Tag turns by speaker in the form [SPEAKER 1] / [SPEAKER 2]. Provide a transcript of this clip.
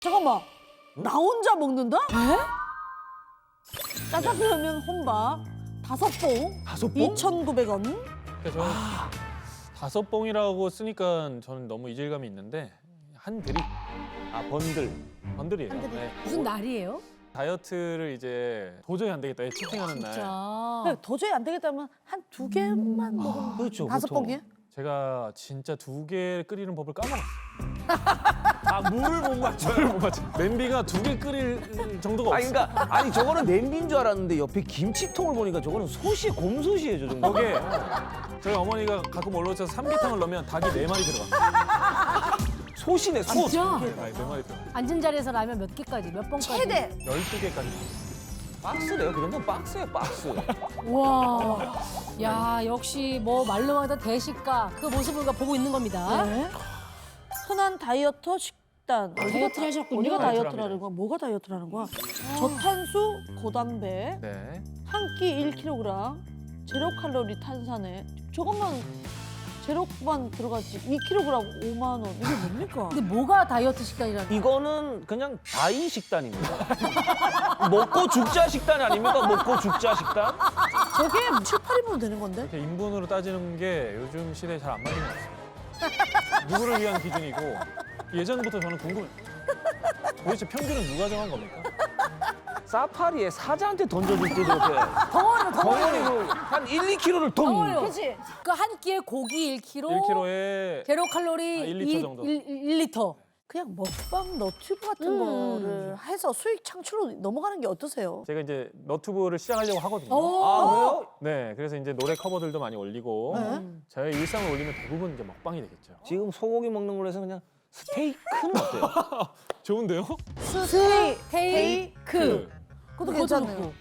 [SPEAKER 1] 잠깐만. 나 혼자 먹는다? 짜장라면 혼밥 5봉.
[SPEAKER 2] 5봉?
[SPEAKER 1] 2,900원.
[SPEAKER 3] 그러니까 저는 5봉이라고 쓰니까 저는 너무 이질감이 있는데 한 드립
[SPEAKER 2] 아, 번들.
[SPEAKER 3] 번들이에요.
[SPEAKER 1] 한 드립.
[SPEAKER 3] 네.
[SPEAKER 4] 무슨 날이에요?
[SPEAKER 3] 다이어트를 이제 도저히 안 되겠다. 치팅하는 날.
[SPEAKER 4] 진짜.
[SPEAKER 1] 도저히 안 되겠다면 한 2개만 먹으면
[SPEAKER 2] 그렇죠,
[SPEAKER 1] 5봉이에요?
[SPEAKER 3] 제가 진짜 2개 끓이는 법을 까먹었어요.
[SPEAKER 2] 아, 물을 못 맞춰요.
[SPEAKER 3] 못 맞죠. 냄비가 2개 끓일 정도가
[SPEAKER 2] 아니,
[SPEAKER 3] 없어요.
[SPEAKER 2] 그러니까, 아니, 저거는 냄비인 줄 알았는데 옆에 김치통을 보니까 저거는 솥이 곰솥이에요, 저 정도.
[SPEAKER 3] 거기에 저희 어머니가 가끔 올라오셔서 삼계탕을 넣으면 닭이 4마리 들어가.
[SPEAKER 2] 솥이네, 솥.
[SPEAKER 4] 진짜?
[SPEAKER 3] 네, 4마리 들어가.
[SPEAKER 4] 앉은 자리에서 라면 몇 개까지, 몇 번까지?
[SPEAKER 1] 최대.
[SPEAKER 3] 12개까지.
[SPEAKER 2] 박스래요. 그 정도는 박스예요, 박스.
[SPEAKER 4] 와. 야, 역시 뭐 말로 하던 대식가 그 모습을 우리가 보고 있는 겁니다.
[SPEAKER 1] 네. 흔한 다이어터 식단.
[SPEAKER 4] 다이어트를 하셨군요.
[SPEAKER 1] 우리가
[SPEAKER 3] 다이어트를
[SPEAKER 1] 다이어트라는
[SPEAKER 3] 합니다.
[SPEAKER 1] 거야? 뭐가 다이어트라는 거야? 저탄수, 고단백,
[SPEAKER 3] 네.
[SPEAKER 1] 한 끼 1kg, 제로 칼로리 탄산에 저것만 제로만 들어가지 2kg 5만 원. 이게 뭡니까?
[SPEAKER 4] 근데 뭐가 다이어트 식단이라는
[SPEAKER 2] 이거는 그냥 다이 식단입니다. 먹고 죽자 식단 아닙니까? 먹고 죽자 식단?
[SPEAKER 1] 저게 7, 8인분 되는 건데?
[SPEAKER 3] 이렇게 인분으로 따지는 게 요즘 시대에 잘 안 맞는 것 같습니다. 누구를 위한 기준이고 예전부터 저는 궁금해요. 도대체 평균은 누가 정한 겁니까?
[SPEAKER 2] 사파리에 사자한테 던져줄 때도 이렇게 덩어리로 한 1, 2kg를 덩.
[SPEAKER 4] 덩어리로.
[SPEAKER 1] 그치?
[SPEAKER 4] 그 한 끼에 고기 1kg,
[SPEAKER 3] 1kg에
[SPEAKER 4] 제로 칼로리
[SPEAKER 3] 1리터 정도.
[SPEAKER 4] 1리터.
[SPEAKER 1] 그냥 먹방 너튜브 같은 거를 해서 수익 창출로 넘어가는 게 어떠세요?
[SPEAKER 3] 제가 이제 너튜브를 시작하려고 하거든요.
[SPEAKER 2] 아, 그래요?
[SPEAKER 3] 네, 그래서 이제 노래 커버들도 많이 올리고 저의 일상을 올리면 대부분 이제 먹방이 되겠죠.
[SPEAKER 2] 지금 소고기 먹는 걸로 해서 그냥 스테이크는 어때요?
[SPEAKER 3] 좋은데요?
[SPEAKER 4] 스테이크.
[SPEAKER 1] 그것도 괜찮네요.